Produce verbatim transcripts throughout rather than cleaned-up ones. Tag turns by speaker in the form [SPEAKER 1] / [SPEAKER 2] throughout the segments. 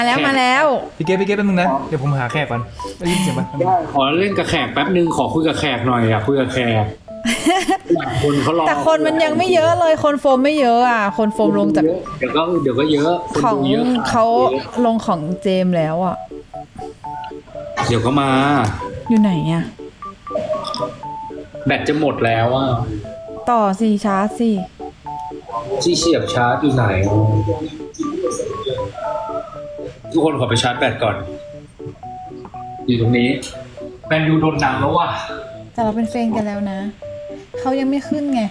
[SPEAKER 1] มาแล้วมาแล้ว
[SPEAKER 2] พี่เก๊พี่เก๊แป๊บนึงนะเดี๋ยวผมหาแขกก่อนได้ยินเสียงปะ
[SPEAKER 3] ขอเล่นกับแขกแป๊บนึงขอคุยกับแขกหน่อยอยากคุยกับแขกคนเขารอ
[SPEAKER 1] แต่คนมันยังไม่เยอะเลยคนโฟมไม่เยอะอ่ะคนโฟมลงจาก
[SPEAKER 3] เดี๋ยวก็เดี๋ยวก็เยอะคน
[SPEAKER 1] ของ
[SPEAKER 3] ดูเยอะ
[SPEAKER 1] เขาลงของเจมส์แล้วอ่ะ
[SPEAKER 3] เดี๋ยวก็มา
[SPEAKER 1] อยู่ไหนอ่ะ
[SPEAKER 3] แบตจะหมดแล้วอ่ะ
[SPEAKER 1] ต่อสิชาร์จสิ
[SPEAKER 3] ที่เสียบชาร์จอยู่ไหนทุกคนขอไปชาร์จแบตก่อนอยู่ตรงนี้แมนยูโดนหนังแล้วว่ะ
[SPEAKER 1] แต่เราเป็นเฟรนด์กันแล้วนะเขายังไม่ขึ้นไง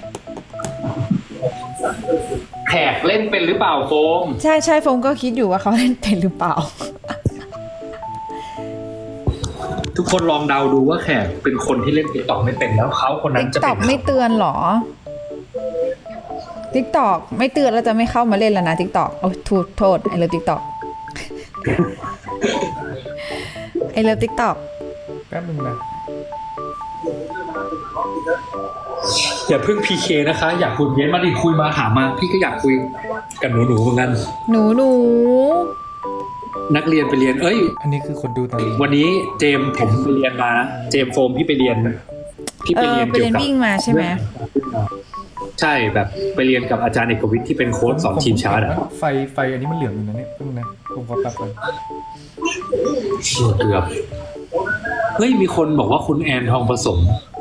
[SPEAKER 3] แขกเล่นเป็นหรือเปล่าโฟม
[SPEAKER 1] ใช่ใช่โฟมก็คิดอยู่ว่าเขาเล่นเป็นหรือเปล่า
[SPEAKER 3] ทุกคนลองเดาดูว่าแขกเป็นคนที่เล่นติ๊กต็อกไม่เป็นแล้วเขาคนนั้น
[SPEAKER 1] ติ๊ก
[SPEAKER 3] จะ
[SPEAKER 1] ต็
[SPEAKER 3] เป็
[SPEAKER 1] อน กไม่เตือนเหรอติ๊กต็อกไม่เตือนแล้วจะไม่เข้ามาเล่นแล้วนะติ๊กต็อกโอ้โทษโทษไอเลิฟติ๊กต็อกไอเลิฟติ๊กต็อก
[SPEAKER 2] แป๊บนึงนะ
[SPEAKER 3] อย่าเพิ่งพีเคนะคะ อยากคุยเย็นมาดิคุยมาถามมา พี่ก็อยากคุยกับหนูหนูๆเหมือนกัน
[SPEAKER 1] หนูหนู
[SPEAKER 3] นักเรียนไปเรียน เอ้ย
[SPEAKER 2] อันนี้คือคนดูตอนนี้
[SPEAKER 3] วันนี้เจมส์ผมไปเรียนมานะเจมส์โฟมพี่ไปเรียนพี่
[SPEAKER 1] เอ
[SPEAKER 3] ไป
[SPEAKER 1] อ
[SPEAKER 3] เรียน
[SPEAKER 1] ไป
[SPEAKER 3] เกี่ย
[SPEAKER 1] เรียน
[SPEAKER 3] วกับ
[SPEAKER 1] วิ่งมาใช่ไหม
[SPEAKER 3] ใช่แบบไปเรียนกับอาจารย์เอกวิทย์ที่เป็นโค้ชสอนทีมชาร์ดอะ
[SPEAKER 2] ไฟไฟอันนี้มันเหลืองอยู่นะเนี่ยแป๊บนึงนะผมขอแป๊บก่อน
[SPEAKER 3] เกือบเฮ้ยมีคนบอกว่าคุณแอนทองผสม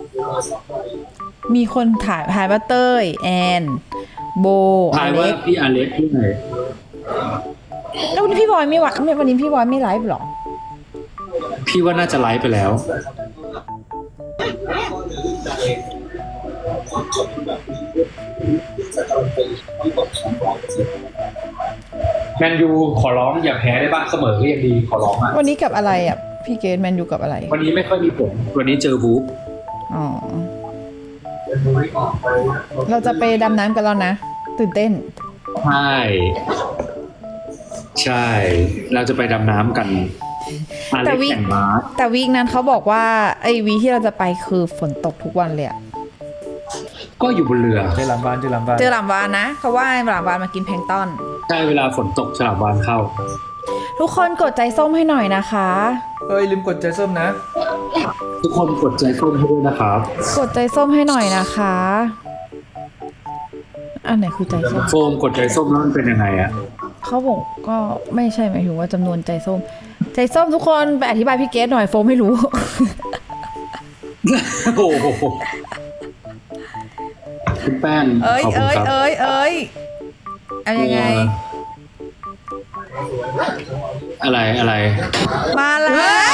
[SPEAKER 1] มีคนถ่ายถ่ายว่าเต้ยแอนโบอ
[SPEAKER 3] ทายว่า
[SPEAKER 1] เล็ก
[SPEAKER 3] พี่อเล็กที่ไหน
[SPEAKER 1] แล้ววันนี้พี่บอยไม่วะไม่วันนี้พี่บอยไม่ไลฟ์หรอ
[SPEAKER 3] พี่ว่าน่าจะไลฟ์ไปแล้วแมนยูขอร้องอย่าแพ้ได้บ้างเสมอก็ยังดีขอร้องอ่ะ
[SPEAKER 1] วันนี้กับอะไรอ่ะพี่เกดแมนยูกับอะไร
[SPEAKER 3] วันนี้ไม่ค่อยมีผลวันนี้เจอบู๊
[SPEAKER 1] อ๋อเราจะไปดำน้ำกันแล้วนะตื่นเต้น
[SPEAKER 3] ใช่ใช่ เราจะไปดำน้ำกันอา
[SPEAKER 1] แต่
[SPEAKER 3] เล็ก
[SPEAKER 1] วิ
[SPEAKER 3] แข่งม้า
[SPEAKER 1] แต่วีคนั้นเขาบอกว่าไอ้วีคที่เราจะไปคือฝนตกทุกวันเลยอะ
[SPEAKER 3] ก็อยู่บนเรือ
[SPEAKER 2] เจอหลังบ้านเจอหลังบ้าน
[SPEAKER 1] เจอหลามวานนะเขาว่าหลามวานมากินแพลงก์ต้น
[SPEAKER 3] ใช่เวลาฝนตกฉลามวานเข้า
[SPEAKER 1] ทุกคนกดใจส้มให้หน่อยนะคะ
[SPEAKER 2] เอ้ยลืมกดใจส้มนะ
[SPEAKER 3] ทุกคนกดใจส้มให้ด้วยนะครับ
[SPEAKER 1] กดใจส้มให้หน่อยนะคะอันไหนคือใจส้ม
[SPEAKER 3] โฟมกดใจส้มแล้วมันเป็นยังไงอะ
[SPEAKER 1] เขาบอกก็ไม่ใช่หมายถึงว่าจำนวนใจส้ม ใจส้มทุกคนไปอธิบายพี่เกดหน่อยโฟมไม่รู้
[SPEAKER 3] โอ้โหคุณแป้ง
[SPEAKER 1] เอ้ย
[SPEAKER 3] ขอบคุณ
[SPEAKER 1] เอ้ย
[SPEAKER 3] ครับ
[SPEAKER 1] เอ้ยเอ้ยเอายังไง
[SPEAKER 3] อะไรอะไร
[SPEAKER 1] มาแล้ว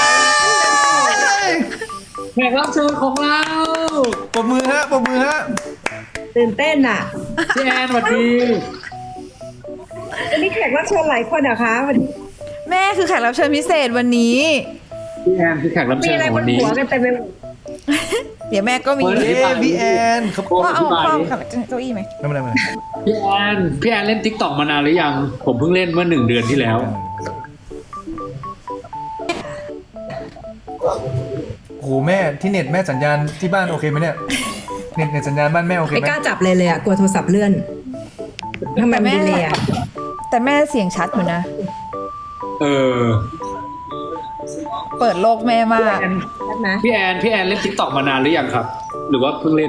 [SPEAKER 3] แขกรับเชิญของเรา
[SPEAKER 2] ปรบมือฮะปรบมือฮะ
[SPEAKER 4] ตื่นเต้นอ่ะ
[SPEAKER 3] พี่แอนสวัสดี
[SPEAKER 4] วันนี้แขกรับเชิญหลายคนเหรอคะวันนี้
[SPEAKER 1] แม่คือแขกรับเชิญพิเศษวันนี้
[SPEAKER 3] พี่แอนคือแขกรับ
[SPEAKER 4] มี
[SPEAKER 3] เชิญ
[SPEAKER 4] อะไร
[SPEAKER 3] ของ
[SPEAKER 4] บ
[SPEAKER 3] วัน นนี้
[SPEAKER 4] หัวกันเต็มไปหมด
[SPEAKER 1] เดี๋ยวแม่ก็มี
[SPEAKER 3] เฮ้ย
[SPEAKER 2] เอ้ยพี่แอนครับ
[SPEAKER 3] โฟม
[SPEAKER 1] พ่อ
[SPEAKER 3] อ
[SPEAKER 1] เอา
[SPEAKER 3] ธิบาย
[SPEAKER 1] พ่อ
[SPEAKER 3] ดิ
[SPEAKER 1] ขับเก้าอี้ไหม
[SPEAKER 2] ไม่เป็นไรไม่เป็นไร
[SPEAKER 3] พี่แอนพี่แอนเล่นติ๊กต็อกมานานหรือยัง ผมเพิ่งเล่นเมื่อหนึ่งเดือนที่แล้ว
[SPEAKER 2] โอ้โหแม่ที่เน็ตแม่สัญญาณที่บ้านโอเคไหมเนี่ยเน็ตเน็ตสัญญาณบ้านแม่โอเค
[SPEAKER 4] ไม่
[SPEAKER 2] ไหม
[SPEAKER 4] กล้าจับเลยเลยอ่ะกลัวโทรศัพท์เลื่อนทำไมมันดีเลยอ่ะ
[SPEAKER 1] แต่แม่เสียงชัดอยู่นะ
[SPEAKER 3] เออ
[SPEAKER 1] เปิดโลกแม่มาก
[SPEAKER 4] ชัดนะ
[SPEAKER 3] พี่แอนพี่แอนเล่นติ๊กต็อกมานานหรือยังครับ หรือว่าเพิ่งเล่น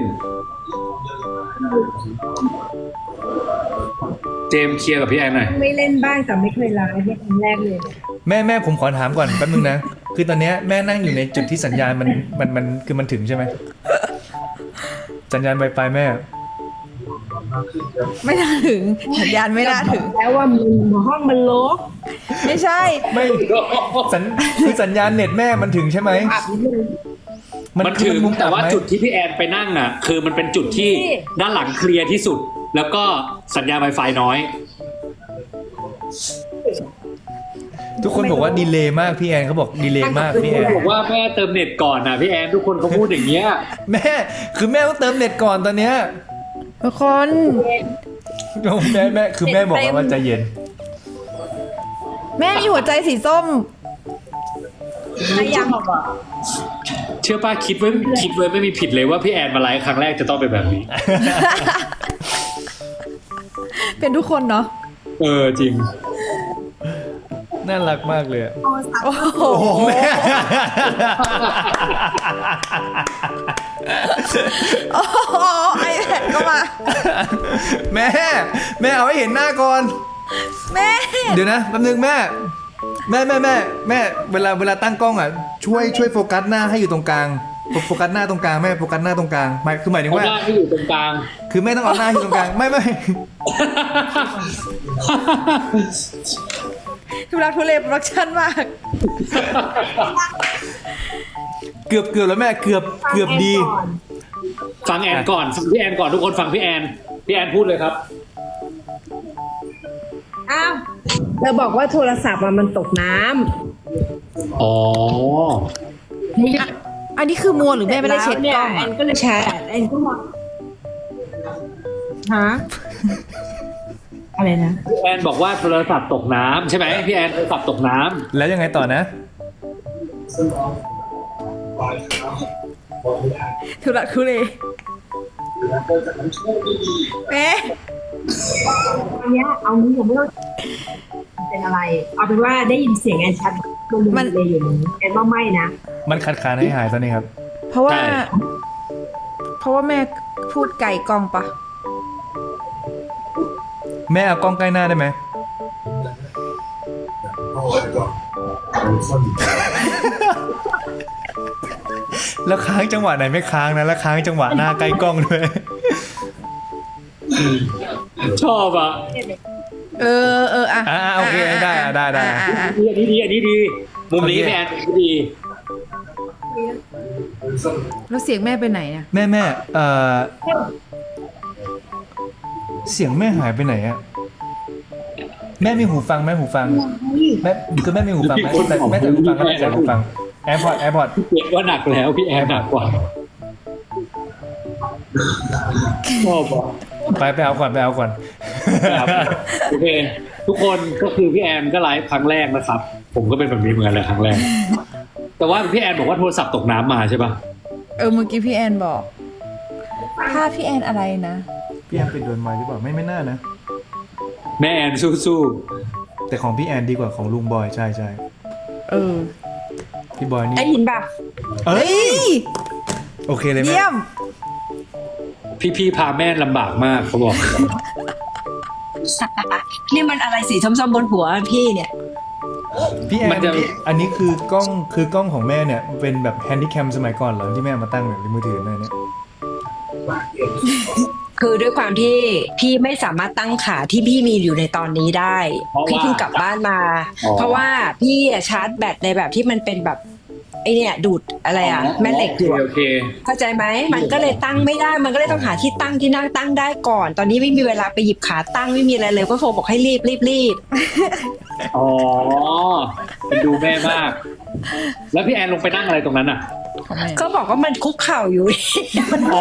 [SPEAKER 3] เจมส์เคลียร์กับพี่แอนหน่อย
[SPEAKER 4] ไม่เล่นบ้างแต่ไม่เคยไลฟ์เนี่ยครั้งแรกเลย
[SPEAKER 2] แม่แม่ผมขอถามก่อนแป๊บนึงนะคือตอนเนี้ยแม่นั่งอยู่ในจุดที่สัญญาณมันมันมันคือมันถึงใช่ไหมสัญญาณ Wi-Fi แม่
[SPEAKER 1] ไม่น่าถึงสัญญาณไม่น่าถึง
[SPEAKER 4] แล้วว่ามันห้องมันรก
[SPEAKER 1] ไม่ใช่
[SPEAKER 2] ไม่สัญคือสัญญาณเน็ตแม่มันถึงใช่ไหม
[SPEAKER 4] อับนิดนึง
[SPEAKER 3] มันถึง
[SPEAKER 2] มุม
[SPEAKER 3] แต่ว่า
[SPEAKER 2] อับไหม
[SPEAKER 3] จุดที่พี่แอนไปนั่งน่ะ คือมันเป็นจุดที่
[SPEAKER 4] นี่
[SPEAKER 3] ด้านหลังเคลียร์ที่สุด แล้วก็สัญญาณ Wi-Fi น้อย
[SPEAKER 2] ทุกคนบอกว่าดีเลย์มากพี่แอนเขาบอกดีเลย์มากพี่แอน
[SPEAKER 3] บอกว่าแม่เติมเน็ตก่อนนะพี่แอนทุกคนเขาพูดอย่างเงี้ย
[SPEAKER 2] แม่คือแม่ต้องเติมเน็ตก่อนตอนเนี้ย
[SPEAKER 1] ทุกคน
[SPEAKER 2] โอ้แม่แม่คือแม่บอกว่าใจเย็น
[SPEAKER 1] แม่มีหัวใจสีส้ม
[SPEAKER 4] อะไรยัง
[SPEAKER 3] เชื่อป้าคิดไว้คิดไว้ไม่มีผิดเลยว่าพี่แอนมาไลฟ์ครั้งแรกจะต้องเป็นแบบนี้
[SPEAKER 1] เป็นทุกคนเนาะ
[SPEAKER 3] เออจริง
[SPEAKER 2] น่ารักมากเลยอะ
[SPEAKER 1] โอ้โห
[SPEAKER 2] โอ้โหแม่
[SPEAKER 1] โอ้โหไอแพดก็มา
[SPEAKER 2] แม่ แม่เอาให้เห็นหน้าก่อน
[SPEAKER 1] แม่
[SPEAKER 2] เดี๋ยวนะแป๊บนึงแม่ แม่แม่แม่แม่เวลาเวลาตั้งกล้องอ่ะช่วยช่วยโฟกัสหน้าให้อยู่ตรงกลางโฟกัสหน้าตรงกลางแม่โฟกัสหน้าตรงกลางหมายคือหมายถึง
[SPEAKER 3] เอา
[SPEAKER 2] ว่า
[SPEAKER 3] หน้าที่อยู่ตรงกลาง
[SPEAKER 2] คือแม่ต้องเอาหน้าอยู่ตรงกลางไม่ไม่
[SPEAKER 1] ทุลักทุเลโปรดักชั่นมาก
[SPEAKER 2] เกือบเกือบแล้วแม่เกือบเกือบดี
[SPEAKER 3] ฟังแอนก่อนฟังพี่แอนก่อนทุกคนฟังพี่แอนพี่แอนพูดเลยครับ
[SPEAKER 4] อ้าวเธอบอกว่าโทรศัพท์อะมันตกน้ำ
[SPEAKER 3] อ๋อ
[SPEAKER 1] อันนี้คือมัวหรือแม่ไม่ได้เช็ดกล้อง
[SPEAKER 4] แอ
[SPEAKER 1] อะ
[SPEAKER 4] นก็เลยแชร์แอนก็มองฮะอะไรนะ
[SPEAKER 3] พี่แอนบอกว่าโทรศัพท์ตกน้ำใช่ไหมพี่แอนโทรศัพท์ตกน้ำ
[SPEAKER 2] แล้วยังไงต่อนะ
[SPEAKER 1] ทุลักทุเลแม่
[SPEAKER 4] อันเนี้ยเอานี้ผมไม่ต้องเป็นอะไร เอาเป็นว่าได้ยินเสียงแอนชัดมันเลยอยู่นี้แอนว่าไม่นะ
[SPEAKER 2] มันขาดคานให้หายตอนนี้ครับ
[SPEAKER 1] เพราะว่า เพราะว่าแม่พูดไก่กล้องปะ
[SPEAKER 2] แม่เอากล้องใกล้หน้าได้ไหมแล้วค้างจังหวะไหนไม่ค้างนะแล้วค้างจังหวะหน้าใกล้กล้องด้วย
[SPEAKER 3] ชอบอ่ะ
[SPEAKER 1] เออเอออ่ะ
[SPEAKER 2] อ่าโอเคได้อ่ะได้ได้
[SPEAKER 1] อ่ะอ่ะอ่ะ
[SPEAKER 3] อันนี้ดีอันนี้ดีมุมนี้พี่แอนดี
[SPEAKER 1] แล้วเสียงแม่ไปไหนเนี่ย
[SPEAKER 2] แม่แม่เอ่อเสียงแม่หายไปไหนอะแม่มีหูฟังไหมหูฟังแม่คือแม่มีหูฟังไหมแต่แม่แต่หูฟังแล้วแต่หูฟังแอร์พอร์ตแอร์พอร์ต
[SPEAKER 3] พี่เกียรว่าหนักแล้วพี่แอนหนักกว่าชอบอ่ะ
[SPEAKER 2] ไปไปเอาก่อนไปเอาก่อน
[SPEAKER 3] ครับโอเค ทุกคนก็คือพี่แอนก็ไลฟ์ครั้งแรกนะครับ ผมก็เป็นแบบนี้เหมือนกันเลยครั้งแรก แต่ว่าพี่แอนบอกว่าโทรศัพท์ตกน้ำมาใช่ปะ
[SPEAKER 1] เออเมื่อกี้พี่แอนบอก ถ้าพี่แอนอะไรนะ
[SPEAKER 2] พี่แอนไปโดนไม้หรือเปล่าไม่ไม่น่านะ
[SPEAKER 3] แม่แอนสู้
[SPEAKER 2] แต่ของพี่แอนดีกว่าของลุงบอยใช่ใช่
[SPEAKER 1] เออ
[SPEAKER 2] พี่บอยนี่
[SPEAKER 4] ได้ยินป่ะ
[SPEAKER 2] เอ้
[SPEAKER 1] เฮ้
[SPEAKER 2] ย
[SPEAKER 1] ย
[SPEAKER 2] โอเคเลยแม่
[SPEAKER 1] เยี่ยม
[SPEAKER 3] ๆพี่ๆพาแม่ลำบากมากเขาบอก
[SPEAKER 4] นี่มันอะไรสีส้มๆบนหัวพี่เนี่ย
[SPEAKER 2] พี่แอ
[SPEAKER 3] มัน นจะ
[SPEAKER 2] นี่อันนี้คือกล้องคือกล้องของแม่เนี่ยเป็นแบบแฮนดี้แคมสมัยก่อนเหรอที่แม่เอามาตั้งแบบในมือถือเนี่ยเนี่ย
[SPEAKER 5] คือด้วยความที่พี่ไม่สามารถตั้งขาที่พี่มีอยู่ในตอนนี้ได้
[SPEAKER 3] เพราะว่า
[SPEAKER 5] พี่เพิ่งกลับบ้านมา
[SPEAKER 3] อ๋อ
[SPEAKER 5] เพราะว่าพี่อะชาร์จแบตในแบบที่มันเป็นแบบไอเนี่ยดูดอะไรอ่ะแม่เหล็กอยู่
[SPEAKER 3] โอเค
[SPEAKER 5] เข้าใจไหมมันก็เลยตั้งไม่ได้มันก็เลยต้องหาที่ตั้งที่นั่งตั้งได้ก่อน ตอนนี้ไม่มีเวลาไปหยิบขาตั้งไม่มีอะไรเลยก็โฟบอกให้รีบรีบรีบ
[SPEAKER 3] อ๋อเป็นดูแม่มาก แล้วพี่แอนลงไปนั่งอะไรตรงนั้นอ่ะ
[SPEAKER 1] ของแม่
[SPEAKER 5] ก็บอกว่ามันคุกเข่าอยู่
[SPEAKER 2] อ๋อ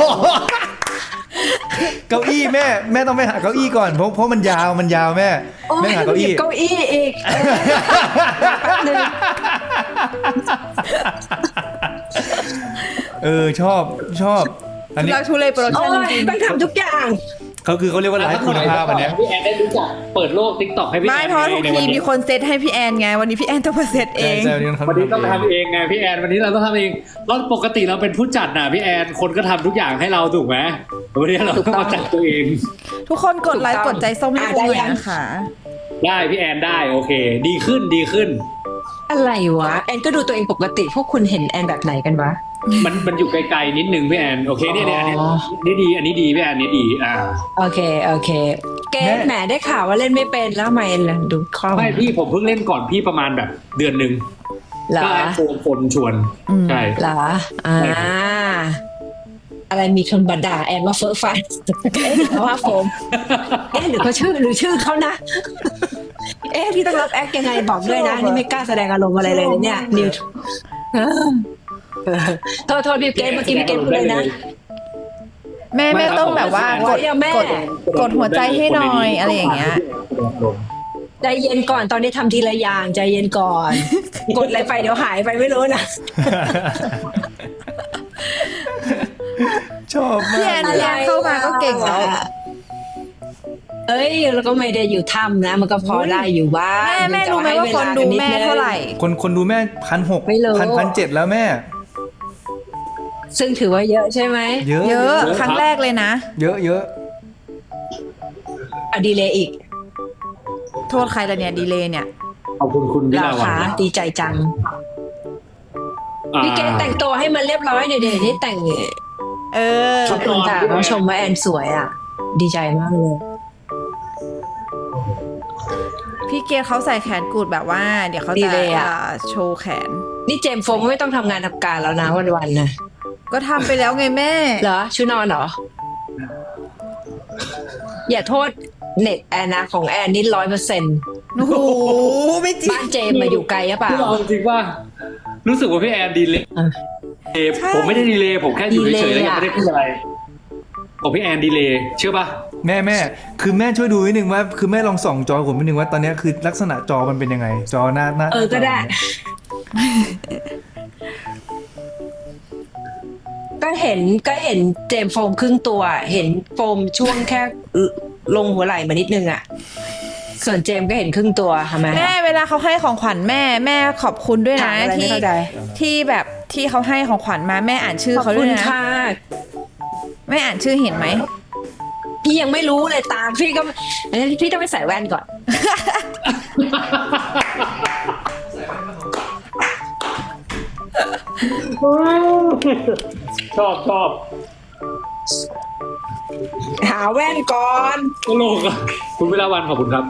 [SPEAKER 2] เก้าอี้แม่แม่ต้องไปหาเก้าอี้ก่อนเพราะเพราะมันยาวมันยาวแม่
[SPEAKER 5] โอ้
[SPEAKER 2] แม่
[SPEAKER 5] ย
[SPEAKER 2] หาเก้า
[SPEAKER 5] หยิ
[SPEAKER 2] อี้
[SPEAKER 5] บเก้าอี้อีกเออแป๊บนึง
[SPEAKER 2] เออชอบชอบ อัน
[SPEAKER 1] ทุ
[SPEAKER 2] นี้
[SPEAKER 1] ลักทุเลโปรดัก
[SPEAKER 5] โอ้
[SPEAKER 1] ชั่น
[SPEAKER 5] ย
[SPEAKER 1] จริง
[SPEAKER 5] ต้องทำทุกอย่าง
[SPEAKER 2] เขาคือเขาเรียกว่าไลฟ์คุณภาพอันเนี้ย
[SPEAKER 3] พี่แอนได้รู้จักเปิดโลกทิกตอกให้
[SPEAKER 1] ๆ
[SPEAKER 3] พี่แอ
[SPEAKER 1] ไม่
[SPEAKER 3] น
[SPEAKER 1] เพราะทุก
[SPEAKER 3] ใน
[SPEAKER 1] ที
[SPEAKER 3] วัน
[SPEAKER 1] มี
[SPEAKER 3] นี้
[SPEAKER 1] คนเซตให้พี่แอนไง วันนี้พี่แอนต้องมาเซตเอ
[SPEAKER 2] ใช่
[SPEAKER 1] ง
[SPEAKER 2] ใช่วันนี้
[SPEAKER 3] วันนี้ต้อง
[SPEAKER 2] ทำ
[SPEAKER 3] ทำเองไงพี่แอนวันนี้เราต้องทำเองแล้วปกติเราเป็นผู้จัดน่ะพี่แอนคนก็ทำทุกอย่างให้เราถูกไหมวันนี้เราต้องมาจัดตัวเอง
[SPEAKER 1] ทุกคนกดไลค์กดใจส้มให้
[SPEAKER 5] อ่ะ
[SPEAKER 1] คุณ
[SPEAKER 5] ได้
[SPEAKER 1] หน่อย
[SPEAKER 5] ยัง
[SPEAKER 1] นะคะ
[SPEAKER 3] ได้พี่แอนได้โอเค ดีขึ้นดีขึ้น
[SPEAKER 5] อะไรวะแอนก็ดูตัวเองปกติพวกคุณเห็นแอนแบบไหนกันวะ
[SPEAKER 3] มันมันอยู่ไกลๆนิดนึงพี่แอนโอเคเนี่ยเนี่ยอันนี้
[SPEAKER 5] อ๋อ
[SPEAKER 3] นี่ดีอันนี้ดีพี่แอนนี่ดีอ่า
[SPEAKER 5] โอเคโอเค เกมแหมได้ข่าวว่าเล่นไม่เป็นแล้วทำไมล่ะดูคล่อง
[SPEAKER 3] ไม่พี่ผมเพิ่งเล่นก่อนพี่ประมาณแบบเดือนหนึ่ง
[SPEAKER 5] เหรอ
[SPEAKER 3] ก็แอนโฟนโฟนชวน
[SPEAKER 1] อืม
[SPEAKER 3] ใช่
[SPEAKER 5] เหรออ่า
[SPEAKER 3] ใช่ครับ
[SPEAKER 5] อะไรมีคนบัดด่าแอนว่าเฟอร์ฟันเอ๊ะหรือเขาว่าโฟมเอ๊ะหรือเขาชื่อหรือชื่อเขานะ เอ๊ะพี่ต้องรับแอคยังไงบอกด้วยนะนี่ไม่กล้าแสดงอารมณ์อะไรเลยนะเนี่ยนิวเออเออโทษโทษพี่เกมเมื่อกี้พี่เกมพูดเลยนะ
[SPEAKER 1] แม่แม่ต้องแบบว่ากด
[SPEAKER 5] เดี๋ยวแม่
[SPEAKER 1] กดกดหัวใจให้หน่อยอะไรอย่างเงี้ย
[SPEAKER 5] ใจเย็นก่อนตอนนี้ทำทีละอย่างใจเย็นก่อน กดอะไรไปเดี๋ยวหายไปไม่รู้นะ
[SPEAKER 2] ชอบ
[SPEAKER 1] พี่
[SPEAKER 2] มา
[SPEAKER 1] แอก นพี่แอนเข้ามาก็เก่งแล้ว
[SPEAKER 5] เอ้ยแล้วก็ไม่ได้อยู่ถ้ำนะ มันก็พอได้อยู่บ้าง
[SPEAKER 1] แม่แม่รู้ไหมว่าคนดูแม่เท่าไหร่
[SPEAKER 2] คนคนดูแม่พันหก
[SPEAKER 5] ไม่รู้
[SPEAKER 2] พันพันเจ็ดแล้วแม่
[SPEAKER 5] ซึ่งถือว่าเยอะใช่ไหม
[SPEAKER 2] เยอะ
[SPEAKER 1] เยอะครั้งแรกเลยนะ
[SPEAKER 2] เยอะเยอะ
[SPEAKER 5] อะดีเลยอีก
[SPEAKER 1] โทษใครละเนี่ยดีเลยเนี่ย
[SPEAKER 3] ขอบคุณคุณวิ
[SPEAKER 5] เรา
[SPEAKER 3] ลาวัน
[SPEAKER 5] คะดีใจจัง
[SPEAKER 3] อ่า
[SPEAKER 5] พี่เกดแต่งตัวให้มันเรียบร้อยเดี๋ยวๆนี่แต่ง
[SPEAKER 1] เออ
[SPEAKER 5] ขอบคุณค่ะน้องชมว่าแอนสวยอ่ะ ดีใจมากเลย
[SPEAKER 1] พี่เกดเขาใส่แขนกุดแบบว่า เดี๋ยวเขา
[SPEAKER 5] ดี
[SPEAKER 1] จะ
[SPEAKER 5] เลยอะ
[SPEAKER 1] เอ่อโชว์แขน
[SPEAKER 5] นี่เจมส์โฟมก็ไม่ต้องทำงานทำการแล้วนะวันๆนะ
[SPEAKER 1] ก็ทำไปแล้วไงแม่
[SPEAKER 5] เหรอชุดนอนเหรอ อย่าโทษเน็ตแอนนะของแอนนี่ร้อยเปอร์เซ็นต์
[SPEAKER 1] โอ้โหไม่จริง
[SPEAKER 5] บ้านเจมส์มาอยู่ไกลหรือเปล่า
[SPEAKER 3] พี่เอาจริงว่ารู้สึกว่าพี่แอนดีเลย
[SPEAKER 5] อ่ะ
[SPEAKER 3] เอฟผมไม่ได้ดีเลยผมแค่อยู่เฉยๆแล้วยัง
[SPEAKER 5] ดีเลยอะ
[SPEAKER 3] ไม่ได้พูดอะไรของพี่แอนดีเลยเชื่อป่ะ
[SPEAKER 2] แม่แม่คือแม่ช่วยดูนิดนึงว่าคือแม่ลองส่องจอผมนิดนึงว่าตอนเนี้ยคือลักษณะจอมันเป็นยังไง จอหน้าหน้า
[SPEAKER 5] เออก็ได้ ก็เห็นก็เห็นเจมส์โฟมครึ่งตัว เห็นโฟมช่วงแค่ลงหัวไหล่มานิดนึงอ่ะ ส่วนเจมส์ก็เห็นครึ่งตัวทำไม
[SPEAKER 1] แม่เวลาเขาให้ของขวัญแม่แม่ขอบคุณด้วย
[SPEAKER 5] ถา
[SPEAKER 1] นะ
[SPEAKER 5] มอะไรไม่
[SPEAKER 1] ที่
[SPEAKER 5] เข้าใจ
[SPEAKER 1] ที่แบบที่เขาให้ของขวัญมาแม่อ่านชื่อ
[SPEAKER 5] ขอบ
[SPEAKER 1] เขาด้
[SPEAKER 5] คุ
[SPEAKER 1] วย
[SPEAKER 5] ณ
[SPEAKER 1] นะ
[SPEAKER 5] ค่ะ
[SPEAKER 1] แม่อ่านชื่อเห็นไหม
[SPEAKER 5] พี่ยังไม่รู้เลยตามพี่ก็อันนี้พี่ต้องไปใส่แว่นก่อน
[SPEAKER 3] ชอบชอบ
[SPEAKER 5] หาแว่นก่อน
[SPEAKER 3] ตลกอ่ะคุณวิลาวันขอบคุณครับ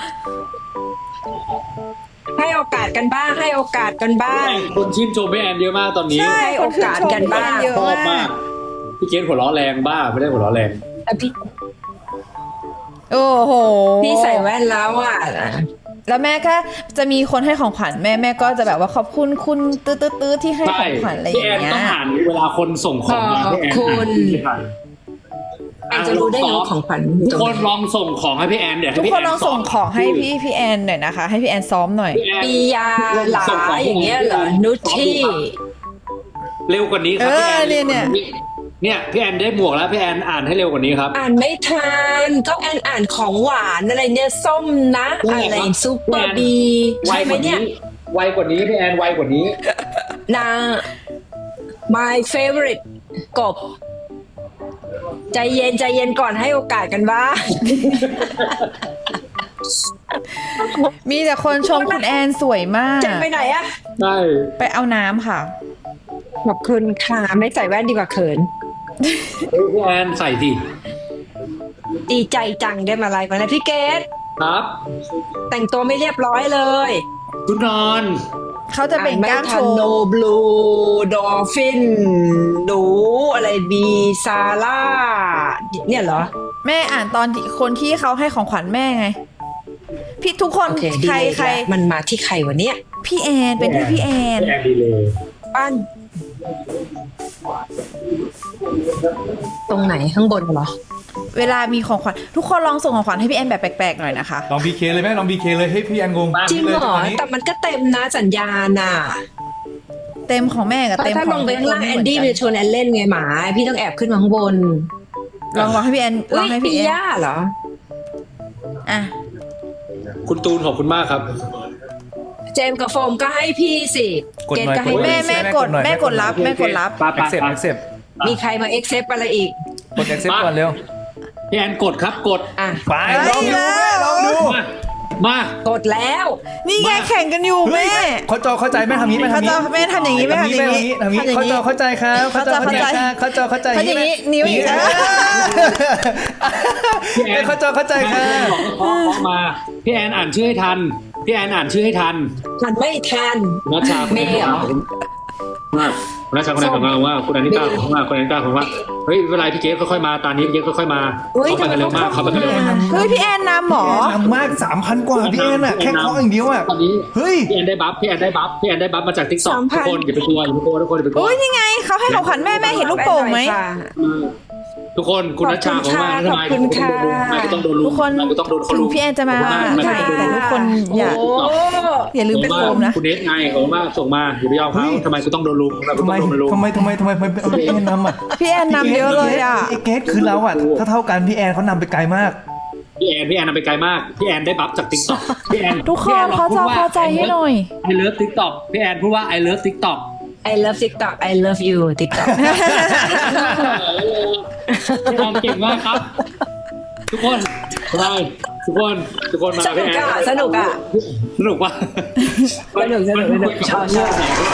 [SPEAKER 5] ให้โอกาสกันบ้างให้โอกาสกันบ้าง
[SPEAKER 3] คนชื่นชมพี่แอนเยอะมากตอนนี้
[SPEAKER 1] ใช่
[SPEAKER 5] ให้โอกาสกันบ้าง
[SPEAKER 1] เยอะ
[SPEAKER 3] ชอบ
[SPEAKER 1] มาม
[SPEAKER 3] าก กพี่เกณฑ์หัวเราะแรงบ้าไม่ได้หัวเราะแรง
[SPEAKER 5] แต่พี่
[SPEAKER 1] โอ้โห
[SPEAKER 5] พี่ใส่แว่นแล้วอ่ะ
[SPEAKER 1] แล้วแม่ก็จะมีคนให้ของขวัญแม่แม่ก็จะแบบว่าขอบคุณคุณตื้อตื้อตื้อที่ให้
[SPEAKER 3] ใช่
[SPEAKER 1] ของขวัญอะไรอ
[SPEAKER 3] พี่
[SPEAKER 1] ย่า
[SPEAKER 3] แอง น
[SPEAKER 1] เงี้
[SPEAKER 3] ต้
[SPEAKER 1] ย
[SPEAKER 3] องอ่านเวลาคนส่งของมา
[SPEAKER 5] ขอบ
[SPEAKER 3] พี่แอน
[SPEAKER 5] คุณ
[SPEAKER 3] อ่าน
[SPEAKER 5] แอนจะรู้ได้ไงว่าของขวัญ
[SPEAKER 3] ทุกคนลองส่งของให้พี่แอนเดี๋ยว
[SPEAKER 1] ทุก
[SPEAKER 3] ให้พี่
[SPEAKER 1] ค
[SPEAKER 3] แอน น
[SPEAKER 1] ลองส่งของให้พี่พี่แอนหน่อยนะคะ ให้พี่แอนซ้อมหน่อย
[SPEAKER 3] พี่แอน
[SPEAKER 5] ปียาหลาอย่างเงี้ยเหรอนุชที่
[SPEAKER 3] เร็วกว่านี้ครับ
[SPEAKER 1] เอ
[SPEAKER 3] พี่
[SPEAKER 1] อ
[SPEAKER 3] แอน
[SPEAKER 1] เนี่ยเนี่ย
[SPEAKER 3] เนี่ยพี่แอนได้หมวกแล้วพี่แอนอ่านให้เร็วกว่านี้ครับ
[SPEAKER 5] อ่านไม่ทันก็แอนอ่านของหวานอะไรเนี่ยส้มนะ
[SPEAKER 3] ใช่
[SPEAKER 5] อะไร
[SPEAKER 3] ครับ
[SPEAKER 5] ซูเปอร์บี
[SPEAKER 3] ไว
[SPEAKER 5] ใช่ไห
[SPEAKER 3] ก
[SPEAKER 5] ม
[SPEAKER 3] ว่า
[SPEAKER 5] เนี่
[SPEAKER 3] นี้
[SPEAKER 5] ย
[SPEAKER 3] ไวกว่านี้พี่แอนไวกว่านี้
[SPEAKER 5] นาง my favorite กบ ใจเย็นใจเย็นก่อนให้โอกาสกันบ้าง
[SPEAKER 1] มีแต่คนชมคุณแอนสวยมาก
[SPEAKER 5] จะไปไหนอะ
[SPEAKER 3] ใช่
[SPEAKER 1] ไปเอาน้ำค่ะ
[SPEAKER 5] ขอบคุณค่ะไม่ใส่แว่นดีกว่าเขิน
[SPEAKER 3] เฮ้ยพี่แอนใส่สิ
[SPEAKER 5] ดีใจจังได้มาไลฟ์มาแล้วพี่เกด
[SPEAKER 3] ครับ
[SPEAKER 5] แต่งตัวไม่เรียบร้อยเลย
[SPEAKER 3] ชุดนอน
[SPEAKER 1] เขาจะเป็นกล้ามโชว์
[SPEAKER 5] โนบลูดอฟฟินหนูอะไรบีซาร่าเนี่ยเหรอ
[SPEAKER 1] แม่อ่านตอนที่คนที่เขาให้ของขวัญแม่ไง พี่ทุกคน
[SPEAKER 5] โอเคดี
[SPEAKER 1] ใคร
[SPEAKER 5] เลย
[SPEAKER 1] ใคร
[SPEAKER 5] แล้วมันมาที่ใครวะเนี่ย
[SPEAKER 1] พี่แอนเป็นที่พี่แอน
[SPEAKER 3] พี่แอนดีเลย
[SPEAKER 5] บ้านตรงไหนข้างบนเหรอ
[SPEAKER 1] เวลามีของขวัญทุกคนลองส่งของขวัญให้พี่แอนแบบแปลกๆหน่อยนะคะ
[SPEAKER 2] ลองบีเคเลยแม่ลองบีเคเลยให้พี่แอนงง
[SPEAKER 5] จริงเหรอ
[SPEAKER 2] ตนนี้
[SPEAKER 5] แต่มันก็เต็มนะสัญญาณน่ะ
[SPEAKER 1] เต็มของแม่กับ
[SPEAKER 5] เพราะ
[SPEAKER 1] เต็ม
[SPEAKER 5] ถ้า
[SPEAKER 1] ข
[SPEAKER 5] ล
[SPEAKER 1] อง
[SPEAKER 5] งไปข้างล่าง
[SPEAKER 1] ทุกค
[SPEAKER 5] แอนดี้มันจะชวนแอนเล่นไงหมา พี่ต้องแอบขึ้นมาข้างบน
[SPEAKER 1] ลองลองให้พี่แอนล
[SPEAKER 5] อุ้
[SPEAKER 1] อง
[SPEAKER 5] ย
[SPEAKER 1] ให้
[SPEAKER 5] ปี
[SPEAKER 1] พี่แอน
[SPEAKER 5] ย่าเหรอ
[SPEAKER 1] อ่ะ
[SPEAKER 3] คุณตูนขอบคุณมากครับ
[SPEAKER 5] เจมส์กับโฟมก็ให้พี่สิ
[SPEAKER 2] กด
[SPEAKER 5] เก
[SPEAKER 2] หน่อย
[SPEAKER 5] ก็
[SPEAKER 2] ก
[SPEAKER 5] ให้
[SPEAKER 2] ดหน่
[SPEAKER 1] แม่
[SPEAKER 2] อย
[SPEAKER 1] แม่กดแม่กดรับแม่กดรับ
[SPEAKER 3] ป้าป้า
[SPEAKER 2] accept accept
[SPEAKER 5] มีใครมาเอ็กเซปอะไรอีก
[SPEAKER 2] กด accept ก่อนเร็ว
[SPEAKER 3] พี่แอนกดครับกด
[SPEAKER 5] อ่ะ
[SPEAKER 2] ไปลองดูแม่ลองดู
[SPEAKER 3] มามา
[SPEAKER 5] กดแล้ว
[SPEAKER 1] นี่ไงแข่งกันอยู่แม่
[SPEAKER 2] เขาจอเข้าใจแม่ทำนี้แม่ทำนี้
[SPEAKER 1] เขาจอแม่ทำอย่างนี้แม่ทำอย่างนี้
[SPEAKER 2] ทำนี้
[SPEAKER 1] ทำอย่างนี้
[SPEAKER 2] เขาจอเข้าใจครับเขาจอเข้าใจครับเขาจอเข้าใจ
[SPEAKER 1] เขาอย่างนี้นิ้วอย่างนี้
[SPEAKER 2] พี่แอนเขาจอเข้าใจครับ
[SPEAKER 3] ขอขอมาพี่แอนอ่านชื่อให้ทันพี่แอนอ่านชื่อให้ทัน
[SPEAKER 5] มันไม่ทัน
[SPEAKER 3] นัชชาคุณ
[SPEAKER 5] เมย์เหรอ
[SPEAKER 3] ว่าคุณนัชชาคุณนายของเราว่าคุณอนิตาของว่าคุณอนิตาของว่าเฮ้ยเวลาพี่เกดค่อยๆมาตอนนี้พี่เกดค่อยๆมาเขาไปกันเร็วมากเขาไปกันเร็วมาก
[SPEAKER 1] เฮ้ยพี่แอนนำหมอ
[SPEAKER 2] ทำมากสามพันกว่าพี่แอนอะแค่เคาะอย่างเดียวอะ
[SPEAKER 3] ตอนนี้
[SPEAKER 2] เฮ้ย
[SPEAKER 3] พี่แอนได้บัฟพี่แอนได้บัฟพี่แอนได้บัฟมาจากทิกตอกทุกคนอย่าไปกลัวอย่าไปกลัวทุกคนอย่าไปกลัว
[SPEAKER 1] อุ้ยนี่ไงเขาให้ของขวัญแม่แม่เห็นลูกโป่งไหม
[SPEAKER 3] ทุกคนคุณนัชชาของว่าทำไม
[SPEAKER 5] ขอบคุณค่ะ
[SPEAKER 3] ทำไมต้องโดนลุม
[SPEAKER 1] ทุกคน
[SPEAKER 3] ทำไมต้องโดนเขา
[SPEAKER 1] ถึ
[SPEAKER 3] ลุ
[SPEAKER 1] ง
[SPEAKER 3] ม
[SPEAKER 1] พี่แอนจะมาใช่แต่ทุกคนอย่า
[SPEAKER 5] โอ้
[SPEAKER 1] อย่าลืมเป็นโฟมนะ
[SPEAKER 3] คุณเนสไงผมว่าส่งมาอย่าไปยอมเขาทำไมกูต้องโดนลุมทำไมกู
[SPEAKER 2] ทำ
[SPEAKER 3] ต้
[SPEAKER 2] ไม
[SPEAKER 3] องโดนลุม
[SPEAKER 2] ทำไมทำไมทำไมทำไมเอาพี่แอนนำอะ
[SPEAKER 1] พี่แอนนำเยอะเลยอ่ะ
[SPEAKER 2] ไอ้เกสคือเราอะถ้าเท่ากันพี่แอนเขานำไปไกลมาก
[SPEAKER 3] พี่แอนพี่แอนนำไปไกลมากพี่แอนได้บัฟจากติ๊กต็อกพี่แอน
[SPEAKER 1] ทุกคนเขาจะเข้าใจให้หน่อย
[SPEAKER 3] ไอเลิฟติ๊กต็อกพี่แอนพูดว่าไอเลิฟติ๊กต็อก
[SPEAKER 5] I love TikTok I love you TikTok
[SPEAKER 3] พี่แอนเก่งมากครับ ทุกคนไปทุกคนทุกคนมา
[SPEAKER 5] สนุ
[SPEAKER 3] พี่
[SPEAKER 5] ก
[SPEAKER 3] แอน
[SPEAKER 5] อ่ะสนุกอ่ะ
[SPEAKER 3] สนุกว่ะ
[SPEAKER 5] สนุกสนุกสนุกชอบชอบ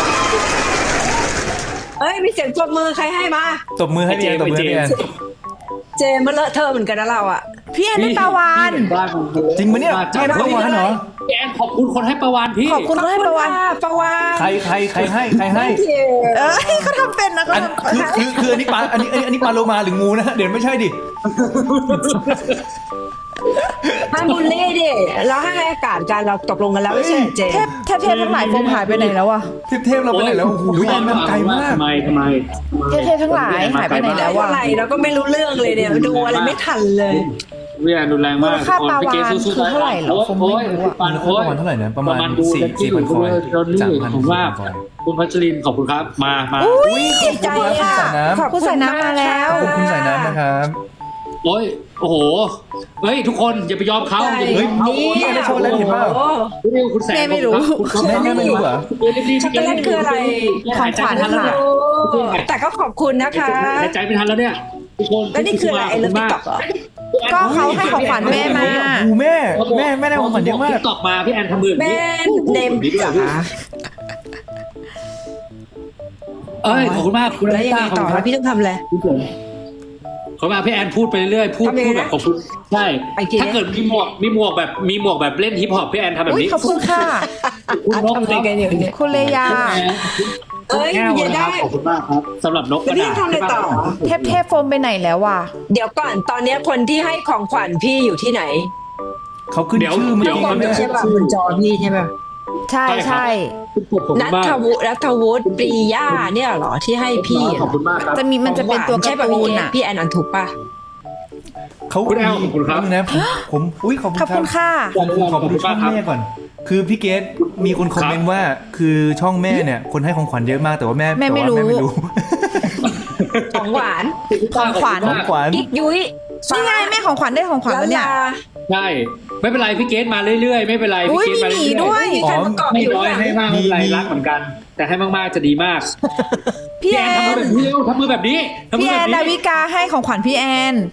[SPEAKER 5] เอ้ยมีเสียงปรบมือใครให้มา
[SPEAKER 2] ตบมือให้พี่แอนตบมือให้พี่แอน
[SPEAKER 5] เจมมันเลอะเทอะเหมือนกันนะเราอ่ะ
[SPEAKER 1] พี่แอนได้ปลาวาน
[SPEAKER 2] จริงปะเนี่ยพี่แอนได้ปลาวานเหรอ
[SPEAKER 3] พี่แอนขอบคุณคนให้ประวานพี่
[SPEAKER 1] ขอบคุณเขาให้ปลาวาน
[SPEAKER 5] ประวาน
[SPEAKER 2] ใครใครใครให้ใครให้
[SPEAKER 1] เอ้ยเขาทำเป็นนะเขา
[SPEAKER 2] อัน
[SPEAKER 1] ทำ
[SPEAKER 2] คือคือคืออันนี้ปลาอันนี้อันนี้อันนี้ปลาโลมาหรืองูนะเดี๋ยวไม่ใช่ดิ
[SPEAKER 5] ห้ามบูลลี่ดิเราให้อากาศกันเราตกลงกันแล้วไม่ใช่เหรอเจม
[SPEAKER 1] เทพเทพเทพทั้งหลายโฟมหายไปไหนแล้วอะ
[SPEAKER 2] เทพเทพเราไปไหนแล้วโอ้โหพี่แอนมันไกลมาก
[SPEAKER 3] ทำไมทำไม
[SPEAKER 1] เทพเทพทั้งหลายหายไปไหนแล้ววะ
[SPEAKER 5] อะไรเราก็ไม่รู้เรื่องเลยเนี่ยดูอะไรไม่ทันเลย
[SPEAKER 3] พี่แอนรุนแรงมาก
[SPEAKER 1] มูลค่าปลาวาฬคือเท่าไหร่เหรอผมไม่รู้อะ
[SPEAKER 3] ปาน
[SPEAKER 2] มูล
[SPEAKER 3] โอ้
[SPEAKER 2] ค่าย ประมาณเท่าไหร่นะประมาณ
[SPEAKER 3] ดู
[SPEAKER 2] สี่
[SPEAKER 3] กันที่
[SPEAKER 2] สี่พันคอย
[SPEAKER 3] โดนนี่
[SPEAKER 2] สามพัน
[SPEAKER 3] ผมว่า
[SPEAKER 2] คอย
[SPEAKER 3] คุณพัชรินขอบคุณครับมามา
[SPEAKER 1] อุ้ยดีใจ
[SPEAKER 2] ขอบคุณ
[SPEAKER 1] ค่ะ
[SPEAKER 2] ครับ
[SPEAKER 1] ขอบคุณสายน้ำมาแล้ว
[SPEAKER 2] ขอบคุณสายน้ำนะครับ
[SPEAKER 3] โอ้ยโอ้โหเฮ้ยทุกคนอย่าไปยอมเขาอย่าไปยอมเขา
[SPEAKER 2] พี่แอนได้ช็อกโกแลตเห็นเปล่า
[SPEAKER 5] โอ้
[SPEAKER 3] นี่คุณแสง
[SPEAKER 1] แม่ไม่รู้
[SPEAKER 2] แม่แม่ไม่รู้เหรอ
[SPEAKER 5] ช็อกโกแลตคืออะไร
[SPEAKER 1] ของขวัญ
[SPEAKER 3] หายใจไม่ทันแล้ว
[SPEAKER 1] ค่ะ
[SPEAKER 3] เนี่ย
[SPEAKER 5] แต่ก็ขอบคุณนะคะ
[SPEAKER 3] หายใจไม่ทันแล้วเนี่ยทุกคน
[SPEAKER 5] แล้วนี่คืออะไรไอ้เลิฟติ๊กต็อกเหรอ
[SPEAKER 1] ก็เขาให้ของขวัญแม่มา
[SPEAKER 2] โอ้โหแม่แม่แม่ได้ของขวัญเยอะมาก
[SPEAKER 3] ติ๊กต็อกมาพี่แอนทำมือ
[SPEAKER 5] แม่เนมจ๋า
[SPEAKER 3] เอ้ยขอบคุณมากคุณ
[SPEAKER 5] แล้ว
[SPEAKER 3] ลิ
[SPEAKER 5] ยัง
[SPEAKER 3] ต้า
[SPEAKER 5] ไง
[SPEAKER 3] ขอบ
[SPEAKER 5] ต่อ
[SPEAKER 3] คุณค
[SPEAKER 5] แล้
[SPEAKER 3] รั
[SPEAKER 5] ว
[SPEAKER 3] บ
[SPEAKER 5] พี่ต้องทำอะไร
[SPEAKER 3] ขอบคุณมากพี่แอนพูดไปเรื่อยๆพูด
[SPEAKER 5] ทำยังไง
[SPEAKER 3] พูด
[SPEAKER 5] นะ
[SPEAKER 3] แบบขอบคุณใช่
[SPEAKER 5] ไปกิน
[SPEAKER 3] ถ้าเกิดมีหมวกมีหมวกแบบมีหมวกแบบเล่นฮิปฮอปพี่แอนทำแบบ
[SPEAKER 1] อุ้ย
[SPEAKER 3] นี้
[SPEAKER 1] ขอบคุณค่ะ
[SPEAKER 3] คุณนก
[SPEAKER 5] ทำอะไรกันอยู่เนี่ย
[SPEAKER 1] คุณเลยา
[SPEAKER 5] เอ้ย
[SPEAKER 3] แก้ว
[SPEAKER 5] อย่า
[SPEAKER 3] นะค
[SPEAKER 5] ได้
[SPEAKER 3] รับขอบคุณมากครับสำหรับนกก
[SPEAKER 5] แล้ว
[SPEAKER 3] ระ
[SPEAKER 5] นี่
[SPEAKER 3] ดาษ
[SPEAKER 5] ทำอะไรต่อ
[SPEAKER 1] เทพเทพโฟมไปไหนแล้ววะ
[SPEAKER 5] เดี๋ยวก่อนตอนเนี้ยคนที่ให้ของขวัญพี่อยู่ที่ไหน
[SPEAKER 2] เขาขึ้นชื่อเมื่อ
[SPEAKER 5] ทุก
[SPEAKER 2] กี้
[SPEAKER 5] คน
[SPEAKER 2] แม่
[SPEAKER 5] ใช่ป่ะบนจอพี่ใช่ป่ะ
[SPEAKER 1] ใช่ใช่
[SPEAKER 3] ขอบคุณ
[SPEAKER 5] นัท
[SPEAKER 3] มาก
[SPEAKER 5] วุฒินัทวุฒิปรีย่าเนี่ยเหรอที่ให้พี่
[SPEAKER 3] ขอบคุณมากครับ
[SPEAKER 1] จะมีมันจะเป็นตัว
[SPEAKER 5] ใช่
[SPEAKER 1] การ์
[SPEAKER 5] ป่ะ
[SPEAKER 1] ตู
[SPEAKER 5] พี่
[SPEAKER 1] น
[SPEAKER 5] เอ
[SPEAKER 1] อะ
[SPEAKER 5] พี่แอนอันถูกป่ะ
[SPEAKER 2] เขา
[SPEAKER 3] คุณแอลขอบคุณครับ
[SPEAKER 2] นะผมผมอุ้ยขอบคุณ
[SPEAKER 1] ขอบ
[SPEAKER 2] ครั
[SPEAKER 1] คุ
[SPEAKER 2] บ
[SPEAKER 1] ณค่ะ
[SPEAKER 2] ผมผมขอบคุณช่องแม่ก่อน คือพี่เกดมีคนคอมเมนต์ว่า คือช่องแม่เนี่ยคนให้ของขวัญเยอะมากแต่ว่าแม่
[SPEAKER 1] แม่ไม่
[SPEAKER 2] แต่ว่า
[SPEAKER 1] รู้
[SPEAKER 2] แม่ไม่รู้
[SPEAKER 5] ของหวาน
[SPEAKER 1] ของขวัญ
[SPEAKER 2] ของขวัญ
[SPEAKER 5] กิ๊กยุ้ย
[SPEAKER 1] นี่ไงแม่ของขวัญได้ของขวัญแล้วเนี่ย
[SPEAKER 5] ลา
[SPEAKER 3] ใช่ไม่เป็นไรพี่เกตมาเรื่อยๆ ไม่เป็นไร
[SPEAKER 1] อุ๊
[SPEAKER 3] พี่
[SPEAKER 1] ย
[SPEAKER 3] เกตมา
[SPEAKER 1] มีหมี
[SPEAKER 3] เรื่อยๆ
[SPEAKER 1] ด้วย
[SPEAKER 5] มีใครประกอบ
[SPEAKER 3] ไม่
[SPEAKER 5] อยู่
[SPEAKER 3] น้อย
[SPEAKER 5] อ่ะ
[SPEAKER 3] ให้มากไม่เป็นไรรักเหมือนกัน แต่ให้มากๆจะดีมาก
[SPEAKER 1] พี่แอ
[SPEAKER 3] ทำมือน แบบนี้เร็วทำมือแบบนี้ทำมื
[SPEAKER 1] พี่
[SPEAKER 3] อ
[SPEAKER 1] แอ
[SPEAKER 3] แบบ
[SPEAKER 1] นดา
[SPEAKER 3] นี้
[SPEAKER 1] วิกาให้ของขวัญพี่แอน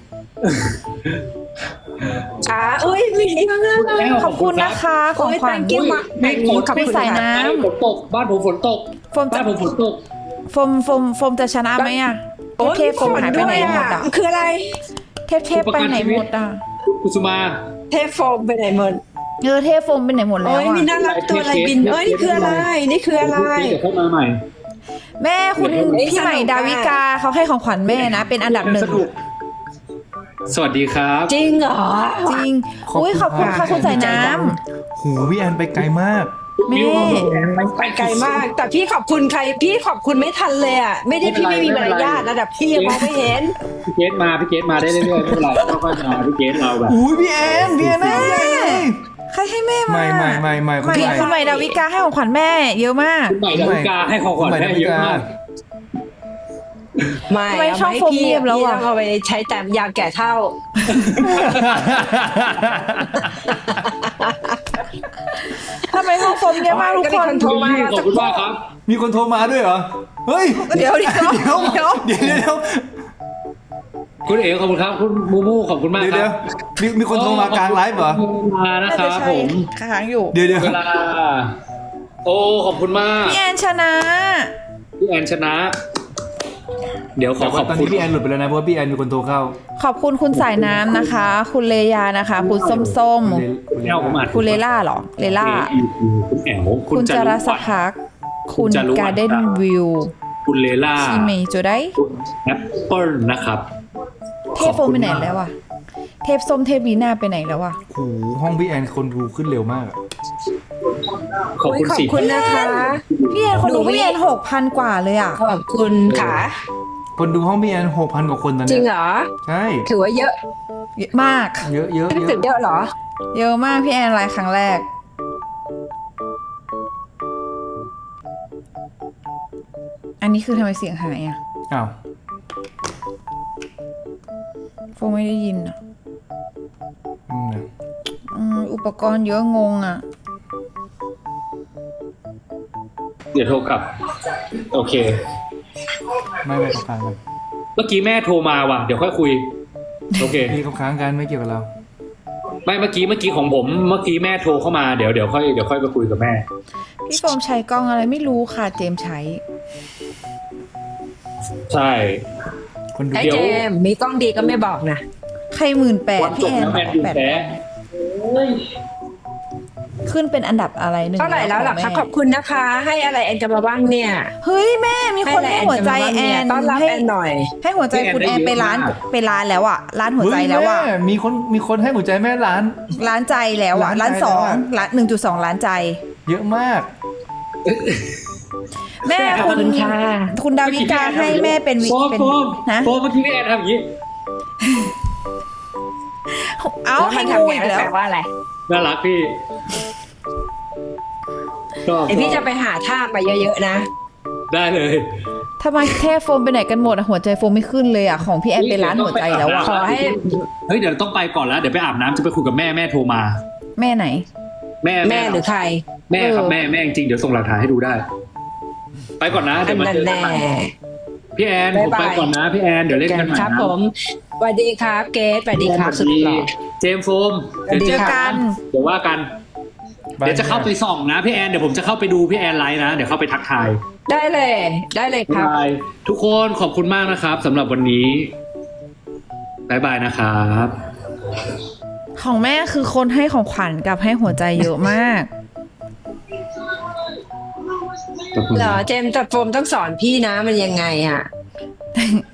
[SPEAKER 5] อ่าเอ้ยมีนี่มาก
[SPEAKER 3] แก้ว
[SPEAKER 1] ขอบคุณนะคะข
[SPEAKER 5] โอ้
[SPEAKER 1] อง
[SPEAKER 5] ย
[SPEAKER 1] ขวัญ
[SPEAKER 5] thank you มาก
[SPEAKER 3] ไม่ฝน
[SPEAKER 5] ขอบคุณ
[SPEAKER 1] ใส่น้ำ
[SPEAKER 3] ฝนตกบ้านผมฝนตก
[SPEAKER 1] โฟมจะ
[SPEAKER 3] บ้านผมฝนตก
[SPEAKER 1] โฟมโฟมโฟมจะชนะไหมอะ
[SPEAKER 5] โอ้ย
[SPEAKER 1] เทพโฟมหายไปไหนหมดอะ
[SPEAKER 5] มันคืออะไร
[SPEAKER 1] เทพเทพไปไหนหมดอะ
[SPEAKER 3] กุสุมา
[SPEAKER 5] เทพโฟมไปไหนหมด
[SPEAKER 1] เออเทพโฟมไปไหนหมดแล้
[SPEAKER 5] โอ้
[SPEAKER 1] วย
[SPEAKER 5] มี
[SPEAKER 1] อะ
[SPEAKER 5] น่ารักตัวอะไรบินเอ้ยนี่คืออะไรนี่คืออะไร
[SPEAKER 3] เดี๋ยวเข้ามาใหม่
[SPEAKER 1] แม่คุณ
[SPEAKER 5] เฮ้ย
[SPEAKER 1] พี่ใหม่
[SPEAKER 5] สนุกอะ
[SPEAKER 1] ดาวิกาเขาให้ของขวัญแม่นะ เป็นอันดับหนึ่ง
[SPEAKER 3] สนุกสวัสดีครับ
[SPEAKER 5] จริงเหรอ
[SPEAKER 1] จริงอุ้ยขอบคุณค่ะคุณใส่น้ำ
[SPEAKER 2] หูพี่แอนไปไกลมาก
[SPEAKER 1] แม่
[SPEAKER 5] ไปไกลมาก แต่พี่ขอบคุณใครพี่ขอบคุณไม่ทันเลยอ่ะไม่ได้พี่ไม่มีมารยาทนะแต่พี่ยังมองไม่เห็น
[SPEAKER 3] พี่เกตมาพี่เกตมาได้เรื่อยๆไม่เป็นไรค่อยๆมาพี่เกตเราแบบ
[SPEAKER 2] อุ้ยพี่แอนพี่แอนได้ใหญ่เลย
[SPEAKER 1] ใครให้แม่มา
[SPEAKER 2] ไม่ไม่ไม่ไม่
[SPEAKER 1] ใหม่คุณใหม่ดาวิกาให้ของขวัญแม่ เยอะมาก
[SPEAKER 3] คุณใหม่ดาวิกาให้ของขวัญแม่เยอะมาก
[SPEAKER 5] ไม่
[SPEAKER 1] ทำไม
[SPEAKER 5] เอา
[SPEAKER 1] ช่อง
[SPEAKER 5] ให้
[SPEAKER 1] โฟม
[SPEAKER 5] พี่
[SPEAKER 1] เงียบแล้ว
[SPEAKER 5] พี่
[SPEAKER 1] อะ
[SPEAKER 5] ต้องเอาไปใช้แต่ยาแก่เท่า
[SPEAKER 1] ทำไมห้องโฟมเยอะมากทุกคน
[SPEAKER 5] โทรมา
[SPEAKER 3] ขอบคุณมากครับ
[SPEAKER 2] มีคนโทรมาด้วยเหรอ เฮ้ย
[SPEAKER 1] เดี๋ยวเดี๋ยว
[SPEAKER 2] เดี๋ยว
[SPEAKER 1] เดี๋ยว
[SPEAKER 2] เดี๋ยวเดี๋ยว
[SPEAKER 3] คุณเอ๋ขอบคุณครับ คุณมูมูขอบคุณมาก
[SPEAKER 2] เดี๋ยว
[SPEAKER 3] ค
[SPEAKER 2] เดี๋
[SPEAKER 3] รั
[SPEAKER 2] ยว
[SPEAKER 3] บ
[SPEAKER 2] มีมีคนโทรมากลางไลฟ์เหรอ
[SPEAKER 3] มานะครับผม
[SPEAKER 1] ค้างอยู่
[SPEAKER 2] เดี๋ยวเดี๋ยว
[SPEAKER 3] เวลา โอ้ขอบคุณมาก
[SPEAKER 1] พี่แอนชนะ
[SPEAKER 3] พี่แอนชนะ เดี๋ยวขอ
[SPEAKER 2] แต่
[SPEAKER 3] ข
[SPEAKER 2] ว่า
[SPEAKER 3] อบ
[SPEAKER 2] ตอน
[SPEAKER 3] คุ
[SPEAKER 2] นี้
[SPEAKER 3] ณ
[SPEAKER 2] พี่แอนหลุดไปแล้วนะเพราะว่าพี่แอนมีคนโทรเข้า
[SPEAKER 1] ขอบคุณคุณสายน้ำนะคะ คุณเลยานะคะ คุณส้มส้ม
[SPEAKER 3] คุณแอลผมอ่าน
[SPEAKER 1] ๆคุณเลล่าเหรอ เลล่า
[SPEAKER 3] คุณแอล
[SPEAKER 1] คุณจารัสพัก คุณ
[SPEAKER 3] จารุวรรณ
[SPEAKER 1] การ์เด้นวิว
[SPEAKER 3] คุณเลล่า
[SPEAKER 1] ชีเมย์จูได้
[SPEAKER 3] คุณแอปเปิลนะครับ
[SPEAKER 1] เทพโฟมไปไหนแล้วอะเทพส้มเทพบีน่าไปไหนแล้วอะ
[SPEAKER 2] โอ้โหห้องพี่แอนคนดูขึ้นเร็วมากอะ
[SPEAKER 3] ขอบคุณ
[SPEAKER 5] ขอบ
[SPEAKER 3] สิ
[SPEAKER 5] คุณนะคะ
[SPEAKER 1] พี่แอนคนดูพี่แอนหกพันกว่าเลยอะ
[SPEAKER 5] ขอบคุณค่ะ
[SPEAKER 2] คนดูห้องพี่แอนหกพันกว่าคนตอน
[SPEAKER 5] จริ
[SPEAKER 2] เนี้
[SPEAKER 5] ง
[SPEAKER 2] ย
[SPEAKER 5] เหรอ
[SPEAKER 2] ใช่
[SPEAKER 5] ถือว่าเยอะ
[SPEAKER 1] เยอะมาก
[SPEAKER 2] เยอะเยอะ
[SPEAKER 5] ไม่
[SPEAKER 2] เย
[SPEAKER 5] ถื
[SPEAKER 2] อะ
[SPEAKER 5] อเยอะเหรอ
[SPEAKER 1] เยอะมากพี่แอนไลฟ์ครั้งแรก อันนี้คือทำไมเสียงหายอะ
[SPEAKER 2] อ้าว
[SPEAKER 1] โฟมไม่ได้ยินอะ
[SPEAKER 2] อืม
[SPEAKER 1] อืมอุปกรณ์เยอะงงอ่ะ
[SPEAKER 3] เดี๋ยวโทรกลับ โอเค
[SPEAKER 2] ไม่ไม่เขาค้างกัน
[SPEAKER 3] เมื่อกี้แม่โทรมาว่ะเดี๋ยวค่อยคุย โอเค
[SPEAKER 2] นี่เขาค้างกันไม่เกี่ยวกับเรา
[SPEAKER 3] ไม่เมื่อกี้เมื่อกี้ของผมเมื่อกี้แม่โทรเข้ามาเดี๋ยวเดี๋ยวค่อยเดี๋ยวค่อยไปคุยกับแม่
[SPEAKER 1] พี่โฟมใช้กล้องอะไรไม่รู้ค่ะเจมส์ใช้
[SPEAKER 3] ใช่
[SPEAKER 2] คนดู
[SPEAKER 5] ไอ้
[SPEAKER 3] เดี๋ยว
[SPEAKER 5] เจมส์มีกล้องดีก็ไม่บอกนะ
[SPEAKER 1] ใครหมื่นแปด
[SPEAKER 3] วันจ
[SPEAKER 1] พี่
[SPEAKER 3] บ
[SPEAKER 1] แอน
[SPEAKER 3] แล้วแมนยู
[SPEAKER 1] แปด
[SPEAKER 3] แพ้
[SPEAKER 1] ขึ้นเป็นอันดับอะไรหนึ่ง
[SPEAKER 5] เท่าไหร่แล้วล่ะ
[SPEAKER 1] ข
[SPEAKER 5] คะ
[SPEAKER 1] อง
[SPEAKER 5] ข
[SPEAKER 1] แม่
[SPEAKER 5] อบคุณนะคะ ให้อะไรแอนกันมาบ้างเนี่ย
[SPEAKER 1] เฮ้ยแม่มีคนให้หัวใจแอน
[SPEAKER 5] ต้อนรับ
[SPEAKER 1] ให้
[SPEAKER 5] แอนหน่อย
[SPEAKER 1] ให้หัวใจคุณแอนไปร้านไปร้านแล้วอ่ะร้านหัวใจแล้วอ่ะ
[SPEAKER 2] เฮ้ยม่มีคนมีคนให้หัวใจแม่ล้าน
[SPEAKER 1] ร้านใจแล้วอ่ะ
[SPEAKER 2] ร้า
[SPEAKER 1] ร้าน น
[SPEAKER 2] ใจ
[SPEAKER 1] สอง
[SPEAKER 2] แล้วอะ
[SPEAKER 1] ร้านหนึ่งจุดสองล้านใจ
[SPEAKER 2] เยอะมาก
[SPEAKER 1] แม่
[SPEAKER 5] ขอบ
[SPEAKER 1] คุณ
[SPEAKER 5] คุณค่ะ
[SPEAKER 1] คุณดาวิกาให้แม่เป็นวิ
[SPEAKER 3] โฟม
[SPEAKER 1] เป็น
[SPEAKER 3] โฟม
[SPEAKER 1] นะ
[SPEAKER 3] โฟมเมื่อกี้พี่แอนทำอย่างนี้
[SPEAKER 1] เอา
[SPEAKER 5] แล้ว
[SPEAKER 1] ให้
[SPEAKER 5] มัน
[SPEAKER 1] งู
[SPEAKER 5] ทำไง
[SPEAKER 1] อีกแล้ว
[SPEAKER 5] แปลว่าอะไร
[SPEAKER 3] น่ารักพี่ชอบ
[SPEAKER 5] ไอพี่จะไปหาท่ามาเยอะๆนะ
[SPEAKER 3] ได้เลย
[SPEAKER 1] ทำไมแค่โฟมไปไหนกันหมดอะหัวใจโฟมไม่ขึ้นเลยอะของพี่แอนไปร้านหัวใจแล้วอะ
[SPEAKER 5] ขอให้
[SPEAKER 3] เฮ้ยเดี๋ยวต้องไปก่อนแล้วเดี๋ยวไปอาบน้ำจะไปคุยกับแม่แม่โทรมา
[SPEAKER 1] แม่ไหน
[SPEAKER 3] แม่
[SPEAKER 5] แม่หรือใคร
[SPEAKER 3] แม่ครับ
[SPEAKER 1] เออ
[SPEAKER 3] แม่แม่จริงๆเดี๋ยวส่งหลักฐานให้ดูได้ ไปก่อนนะ
[SPEAKER 5] อั
[SPEAKER 3] เดี๋ย
[SPEAKER 5] น
[SPEAKER 3] วมา
[SPEAKER 5] นั้น
[SPEAKER 3] เจอกั
[SPEAKER 5] แน่
[SPEAKER 3] นใหม่พี่แอนผม
[SPEAKER 5] บ๊ายบาย
[SPEAKER 3] ไปก่อนนะพี่แอนเดี๋ยวเล่นกันใหม่
[SPEAKER 5] ครับ
[SPEAKER 3] นะ
[SPEAKER 5] ผมสวัสดีครับเกสสวัสดีครับ
[SPEAKER 3] ส
[SPEAKER 5] สุ
[SPEAKER 3] วั
[SPEAKER 5] ด
[SPEAKER 3] สดี
[SPEAKER 5] หล่อ
[SPEAKER 3] เจมส์โฟม
[SPEAKER 5] สวัสดี
[SPEAKER 1] เจอ
[SPEAKER 5] ครับ
[SPEAKER 1] กัน
[SPEAKER 3] เดี๋ยวว่ากัน เดี๋ยวจะเข้าไปส่องนะพี่แอนเดี๋ยวผมจะเข้าไปดูพี่แอนไลฟ์นะเดี๋ยวเข้าไปทักทาย
[SPEAKER 5] ได้เลย ได้เลยครับ
[SPEAKER 3] บายทุกคนขอบคุณมากนะครับสำหรับวันนี้บายบายนะครับ
[SPEAKER 1] ของแม่คือคนให้ของขวัญกับให้หัวใจเยอะมาก
[SPEAKER 3] ขอบคุณ
[SPEAKER 5] เหรอเจมส์แต่โฟมต้องสอนพี่นะมันยังไงอ่ะ